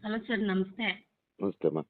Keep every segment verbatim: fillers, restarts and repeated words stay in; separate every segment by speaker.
Speaker 1: Hello sir, ನಮಸ್ತೆ.
Speaker 2: ನಮಸ್ತೆ ಅಮ್ಮ.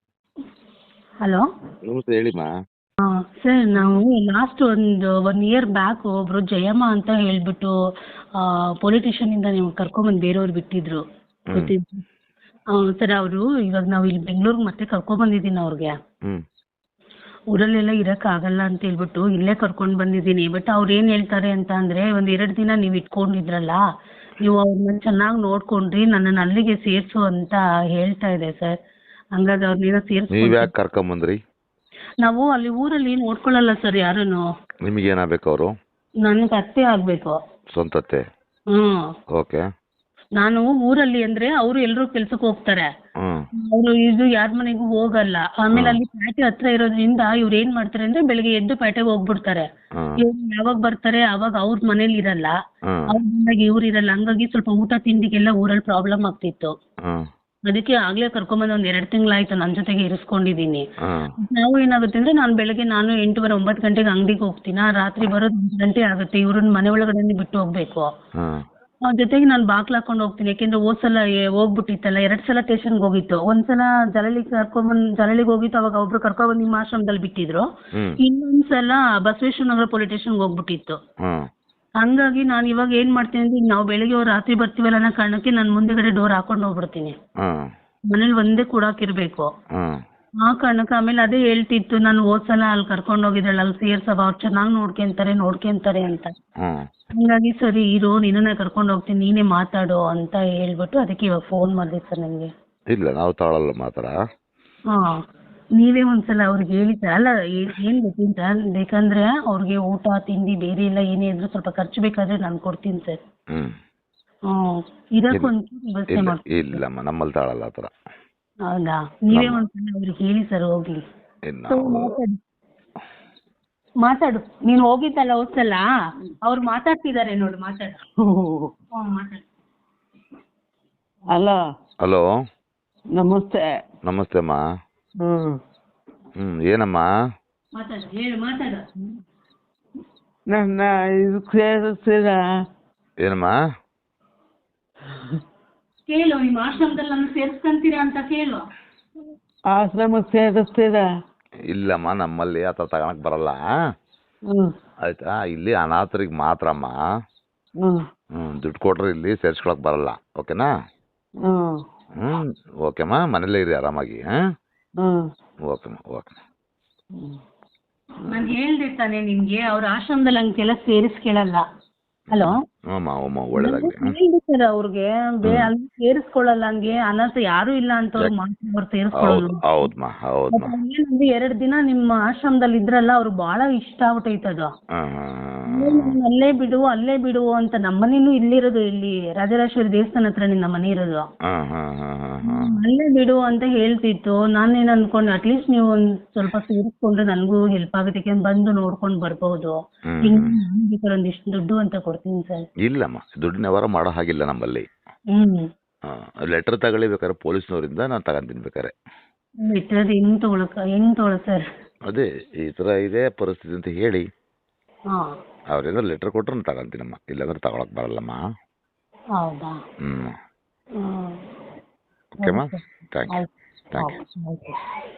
Speaker 1: ಹಲೋ.
Speaker 2: ನಮಸ್ತೆ ಹೇಳಿಮ್ಮ.
Speaker 1: ಹಾಂ ಸರ್, ನಾವು ಲಾಸ್ಟ್ ಒಂದು ಒನ್ ಇಯರ್ ಬ್ಯಾಕ್ ಒಬ್ಬರು ಜಯಮ್ಮ ಅಂತ ಹೇಳಿಬಿಟ್ಟು ಪೊಲಿಟಿಷಿಯನಿಂದ ನೀವು ಕರ್ಕೊಂಬಂದು ಬೇರೆಯವ್ರು ಬಿಟ್ಟಿದ್ರು, ಗೊತ್ತಿದ್ದು. ಹಾಂ ಸರ್, ಅವರು ಇವಾಗ ನಾವು ಇಲ್ಲಿ ಬೆಂಗಳೂರಿಗೆ ಮತ್ತೆ ಕರ್ಕೊಂಬಂದಿದ್ದೀನಿ ಅವ್ರಿಗೆ.
Speaker 2: ಹ್ಞೂ
Speaker 1: ಊರಲ್ಲೆಲ್ಲ ಇರೋಕ್ಕಾಗಲ್ಲ ಅಂತ ಹೇಳ್ಬಿಟ್ಟು ಇಲ್ಲೇ ಕರ್ಕೊಂಡು ಬಂದಿದ್ದೀನಿ. ಬಟ್ ಅವ್ರು ಏನು ಹೇಳ್ತಾರೆ ಅಂತ ಅಂದರೆ, ಒಂದು ಎರಡು ದಿನ ನೀವು ಇಟ್ಕೊಂಡಿದ್ರಲ್ಲ, ನೀವು ಅವ್ರನ್ನ ಚೆನ್ನಾಗಿ ನೋಡ್ಕೊಂಡ್ರಿ, ನನ್ನನ್ನು ಅಲ್ಲಿಗೆ ಸೇರಿಸು ಅಂತ ಹೇಳ್ತಾ ಇದೆ ಸರ್. ಹಂಗಾಗಿ ಅವ್ರನ್ನೇನೋ
Speaker 2: ನೀವು
Speaker 1: ಸೇರಿಸ್ಕೊಂಡು
Speaker 2: ಯಾಕೆ ಕರ್ಕೊಂಬಂದ್ರಿ?
Speaker 1: ನಾವು ಅಲ್ಲಿ ಊರಲ್ಲಿ ನೋಡ್ಕೊಳ್ಳಲ್ಲ ಸರ್ ಯಾರೂ.
Speaker 2: ನಿಮಗೇನಾಗಬೇಕು ಅವರು?
Speaker 1: ನನಗೆ ಅತ್ತೆ ಆಗಬೇಕು.
Speaker 2: ಸ್ವಂತತ್ತೆ?
Speaker 1: ಹ್ಞೂ.
Speaker 2: ಓಕೆ.
Speaker 1: ನಾನು ಊರಲ್ಲಿ ಅಂದರೆ ಅವರು ಎಲ್ಲರೂ ಕೆಲ್ಸಕ್ಕೆ ಹೋಗ್ತಾರೆ,
Speaker 2: ಹ್ಞೂ
Speaker 1: ಅವರು ಇದು ಯಾರ ಮನೆಗೂ ಹೋಗಲ್ಲ. ಆಮೇಲೆ ಅಲ್ಲಿ ಪ್ಯಾಟೆ ಹತ್ರ ಇರೋದ್ರಿಂದ ಇವ್ರು ಏನು ಮಾಡ್ತಾರೆ ಅಂದರೆ, ಬೆಳಿಗ್ಗೆ ಎದ್ದು ಪ್ಯಾಟೆಗೆ ಹೋಗ್ಬಿಡ್ತಾರೆ.
Speaker 2: ಹ್ಮ್.
Speaker 1: ಇವ್ರು ಯಾವಾಗ ಬರ್ತಾರೆ ಆವಾಗ ಅವ್ರ ಮನೇಲಿ ಇರಲ್ಲ,
Speaker 2: ಹ್ಮ್.
Speaker 1: ಅವ್ರ ಬಂದಾಗ ಇವ್ರು ಇರಲ್ಲ. ಹಂಗಾಗಿ ಸ್ವಲ್ಪ ಊಟ ತಿಂಡಿಗೆಲ್ಲ ಊರಲ್ಲಿ ಪ್ರಾಬ್ಲಮ್ ಆಗ್ತಿತ್ತು.
Speaker 2: ಹ್ಮ್.
Speaker 1: ಅದಕ್ಕೆ ಆಗಲೇ ಕರ್ಕೊಂಬಂದು ಒಂದು ಎರಡು ತಿಂಗಳಾಯ್ತು ನನ್ನ ಜೊತೆಗೆ ಇರಿಸ್ಕೊಂಡಿದ್ದೀನಿ.
Speaker 2: ಹ್ಮ್.
Speaker 1: ನಾವು ಏನಾಗುತ್ತೆ ಅಂದರೆ, ನಾನು ಬೆಳಗ್ಗೆ ನಾನು ಎಂಟೂವರೆ ಒಂಬತ್ತು ಗಂಟೆಗೆ ಅಂಗಡಿಗೆ ಹೋಗ್ತೀನಿ, ರಾತ್ರಿ ಬರೋದು ಒಂದು ಗಂಟೆ ಆಗುತ್ತೆ. ಇವ್ರನ್ನ ಮನೆ ಒಳಗಡೆನೇ ಬಿಟ್ಟು ಹೋಗಬೇಕು.
Speaker 2: ಹ್ಮ್.
Speaker 1: ಅವ್ರ ಜೊತೆಗೆ ನಾನು ಬಾಗ್ಲು ಹಾಕೊಂಡು ಹೋಗ್ತೀನಿ. ಯಾಕೆಂದರೆ ಹೋದ ಸಲ ಹೋಗ್ಬಿಟ್ಟಿತ್ತಲ್ಲ, ಎರಡು ಸಲ ಸ್ಟೇಷನ್ಗೆ ಹೋಗಿತ್ತು. ಒಂದು ಸಲ ಜಲಳಿಗೆ ಕರ್ಕೊಂಬಂದು ಜಲಳಿಗೆ ಹೋಗಿತ್ತು, ಅವಾಗ ಒಬ್ರು ಕರ್ಕೊಬಂದು ನಿಮ್ಮ ಆಶ್ರಮದಲ್ಲಿ ಬಿಟ್ಟಿದ್ರು.
Speaker 2: ಹ್ಮ್.
Speaker 1: ಇನ್ನೊಂದು ಸಲ ಬಸವೇಶ್ವರ ನಗರ ಪೊಲೀಸ್ ಸ್ಟೇಷನ್ಗೆ ಹೋಗ್ಬಿಟ್ಟಿತ್ತು.
Speaker 2: ಹ್ಮ್.
Speaker 1: ಹಂಗಾಗಿ ನಾನು ಇವಾಗ ಏನು ಮಾಡ್ತೀನಿ ಅಂದರೆ, ಈಗ ನಾವು ಬೆಳಿಗ್ಗೆ ಅವ್ರು ರಾತ್ರಿ ಬರ್ತೀವಲ್ಲ ಅನ್ನೋ ಕಾರಣಕ್ಕೆ ನಾನು ಮುಂದೆಗಡೆ ಡೋರ್ ಹಾಕೊಂಡು ಹೋಗ್ಬಿಡ್ತೀನಿ.
Speaker 2: ಹ್ಮ್.
Speaker 1: ಮನೇಲಿ ಒಂದೇ ಕೂಡಾಕಿರ್ಬೇಕು.
Speaker 2: ಹ್ಮ್.
Speaker 1: ಆ ಕಾರಣಕ್ಕೆ ಆಮೇಲೆ ಅದೇ ಹೇಳ್ತಿತ್ತು, ನಾನು ಹೋದ ಸಲ ಅಲ್ಲಿ ಕರ್ಕೊಂಡು ಹೋಗಿದ್ದಾಳೆ, ಅಲ್ಲಿ ಸೇರ್ಸವ, ಅವ್ರು ಚೆನ್ನಾಗಿ ನೋಡ್ಕೊಂತಾರೆ ನೋಡ್ಕೊಂತಾರೆ ಅಂತ.
Speaker 2: ಹ್ಮ್.
Speaker 1: ಹಂಗಾಗಿ ಸರಿ ಇರು, ನಿನ್ನನ್ನೇ ಕರ್ಕೊಂಡು ಹೋಗ್ತೀನಿ, ನೀನೇ ಮಾತಾಡು ಅಂತ ಹೇಳ್ಬಿಟ್ಟು ಅದಕ್ಕೆ ಇವಾಗ ಫೋನ್ ಮಾಡಿದೆ ಸರ್ ನಿಮಗೆ.
Speaker 2: ಇಲ್ಲ, ನಾವು ತಾಳಲ್ಲ ಮಾತ್ರ.
Speaker 1: ಹಾಂ, ನೀವೇ ಒಂದ್ಸಲ ಅವ್ರಿಗೆ ಹೇಳಿ ಸರ್. ಅಲ್ಲ, ಏನು ಗೊತ್ತೀನಿ ಸರ್, ಬೇಕಂದ್ರೆ ಅವ್ರಿಗೆ ಊಟ ತಿಂಡಿ ಬೇರೆ ಎಲ್ಲ ಏನೇ ಇದ್ರೂ ಸ್ವಲ್ಪ ಖರ್ಚು ಬೇಕಾದರೆ ನಾನು ಕೊಡ್ತೀನಿ ಸರ್.
Speaker 2: ಹ್ಮ್.
Speaker 1: ಹ್ಞೂ, ಇರೋಕ್ಕೊಂದು ವ್ಯವಸ್ಥೆ
Speaker 2: ಇಲ್ಲ
Speaker 1: ಮಾಡ್ತೀನಿ.
Speaker 2: ಇಲ್ಲಮ್ಮ, ನಮ್ಮಲ್ಲಿ ತಾಳಲ್ಲ ಆ ಥರ.
Speaker 1: ಹೌದಾ? ನೀವೇ ಒಂದ್ಸಲ ಅವ್ರಿಗೆ ಹೇಳಿ ಸರ್, ಹೋಗ್ಲಿ.
Speaker 2: ಇನ್ನು
Speaker 1: ಸೊ, ಮಾತಾಡು ಮಾತಾಡು ನೀನು ಹೋಗಿದ್ದಲ್ಲ ಹೋದ್ಸಲ, ಅವ್ರು ಮಾತಾಡ್ತಿದ್ದಾರೆ ನೋಡು, ಮಾತಾಡು. ಹ್ಞೂ ಮಾತಾಡು.
Speaker 3: Hello
Speaker 2: hello.
Speaker 3: ನಮಸ್ತೆ.
Speaker 2: ನಮಸ್ತೆ ಅಮ್ಮ.
Speaker 3: ಹ್ಞೂ
Speaker 2: ಹ್ಞೂ ಏನಮ್ಮ?
Speaker 1: ಮಾತಾಡು, ಹೇಳು, ಮಾತಾಡು.
Speaker 3: ನನ್ನ ಇದು ಸೇರಿಸ್ತೀರಾ?
Speaker 2: ಏನಮ್ಮ?
Speaker 1: ಕೇಳು, ನಿಮ್ಮ ಆಶ್ರಮದಲ್ಲಿ ನನ್ನ ಸೇರಿಸ್ಕೊಂತೀರಾ ಅಂತ ಕೇಳು.
Speaker 3: ಆಶ್ರಮಕ್ಕೆ ಸೇರಿಸ್ತೀರಾ?
Speaker 2: ಇಲ್ಲಮ್ಮ, ನಮ್ಮಲ್ಲಿ ಆ ಥರ ತಗೊಳಕ್ ಬರಲ್ಲ.
Speaker 3: ಹ್ಞೂ
Speaker 2: ಆಯ್ತಾ? ಇಲ್ಲಿ ಅನಾಥರಿಗೆ ಮಾತ್ರ ಅಮ್ಮ.
Speaker 3: ಹ್ಞೂ
Speaker 2: ಹ್ಞೂ ದುಡ್ಡು ಕೊಟ್ರೆ ಇಲ್ಲಿ ಸೇರಿಸ್ಕೊಳಕ್ ಬರಲ್ಲ. ಓಕೆನಾ?
Speaker 3: ಹ್ಞೂ
Speaker 2: ಹ್ಞೂ ಓಕೆಮ್ಮ, ಮನೇಲೇ ಇರಿ ಆರಾಮಾಗಿ. ಹಾಂ
Speaker 3: ಹ್ಞೂ
Speaker 2: ಓಕೆಮ್ಮ ಓಕೆ.
Speaker 1: ನಾನು ಹೇಳ್ದೆ ತಾನೇ ನಿಮಗೆ, ಅವ್ರ ಆಶ್ರಮದಲ್ಲಿ ಹಂಗೆಲ್ಲ ಸೇರಿಸ್ಕೊಳ್ಳಲ್ಲ. ಹಲೋ.
Speaker 2: ಹ್ಞೂಮ್ಮ ಹ್ಞೂಮ್ಮ, ಒಳ್ಳೇದಾಗಲಿ.
Speaker 1: ಹೇಳಿದೆ ಸರ್ ಅವ್ರಿಗೆ, ಬೇ ಅಲ್ಲಿ ಸೇರಿಸ್ಕೊಳ್ಳಲ್ಲ, ಹಂಗೆ ಅನಾಥ ಯಾರೂ ಇಲ್ಲ ಅಂತವ್ರು ಮಾತ್ರ ಅವ್ರು
Speaker 2: ಹೌದು
Speaker 1: ಸೇರಿಸ್ಕೊಳ್ಳೋದು.
Speaker 2: ಹೌದಮ್ಮ ಹೌದಮ್ಮ.
Speaker 1: ಏನಂದ್ರೆ, ಎರಡು ದಿನ ನಿಮ್ಮ ಆಶ್ರಮದಲ್ಲಿ ಇದ್ರಲ್ಲ, ಅವ್ರು ಭಾಳ ಇಷ್ಟ ಆಗ್ಬಿಟ್ಟೈತೆ ಅದು.
Speaker 2: ಹಾಂ ಹಾಂ
Speaker 1: ನೀನ್ ಅಲ್ಲೇ ಬಿಡು ಅಲ್ಲೇ ಬಿಡು ಅಂತ. ನಮ್ಮನೇನು ಇಲ್ಲಿರೋದು, ಇಲ್ಲಿ ರಾಜರಾಜೇಶ್ವರಿ ದೇವಸ್ಥಾನ ಹತ್ರ ನಮ್ಮ ಮನೆ ಇರೋದು.
Speaker 2: ಹಾಂ ಹಾಂ ಹಾಂ ಹಾಂ ಹಾಂ
Speaker 1: ಅಲ್ಲೇ ಬಿಡು ಅಂತ ಹೇಳ್ತಿತ್ತು. ನಾನೇನು ಅನ್ಕೊಂಡೆ, ಅಟ್ಲೀಸ್ಟ್ ನೀವು ಒಂದು ಸ್ವಲ್ಪ ಸೇರಿಸ್ಕೊಂಡ್ರೆ ನನಗೂ ಹೆಲ್ಪ್ ಆಗುತ್ತೆ, ಯಾಕೆಂದ್ರೆ ಬಂದು ನೋಡ್ಕೊಂಡು ಬರ್ಬೋದು.
Speaker 2: ಹ್ಮ್,
Speaker 1: ಹಿಂಗೆ ನಾನು ಬೇಕಾದ್ರೆ ಒಂದಿಷ್ಟು ದುಡ್ಡು ಅಂತ ಕೊಡ್ತೀನಿ ಸರ್.
Speaker 2: ಇಲ್ಲಮ್ಮ, ದುಡ್ಡಿನ ವ್ಯವಹಾರ ಮಾಡೋ ಹಾಗಿಲ್ಲ ನಮ್ಮಲ್ಲಿ.
Speaker 1: ಹ್ಞೂ
Speaker 2: ಹಾಂ, ಲೆಟ್ರ್ ತಗೊಳ್ಳಿ ಬೇಕಾದ್ರೆ ಪೊಲೀಸ್ನವರಿಂದ, ನಾನು ತಗೊಂತೀನಿ ಬೇಕಾರೆ.
Speaker 1: ಬಿಟ್ಟರೆ ಹೆಂಗೆ ತೊಗೊಳಕ ಹೆಂಗೆ ತೊಗೊಳ ಸರ್?
Speaker 2: ಅದೇ ಈ ಥರ ಇದೆ ಪರಿಸ್ಥಿತಿ ಅಂತ ಹೇಳಿ
Speaker 1: ಹಾಂ.
Speaker 2: ಅವ್ರೇನಾದ್ರು ಲೆಟ್ರ್ ಕೊಟ್ಟರೆ ನಾನು ತಗೊಂತೀನಮ್ಮ, ಇಲ್ಲಾಂದ್ರೆ ತಗೊಳಕ್ ಬರಲ್ಲಮ್ಮ.
Speaker 1: ಹೌದಾ?
Speaker 2: ಹ್ಞೂ
Speaker 1: ಹ್ಞೂ.
Speaker 2: ಓಕೆಮ್ಮ. ಥ್ಯಾಂಕ್ ಯು
Speaker 1: ಆಯ್ತು
Speaker 2: ಥ್ಯಾಂಕ್ ಯು.
Speaker 1: ಆಯ್ತು.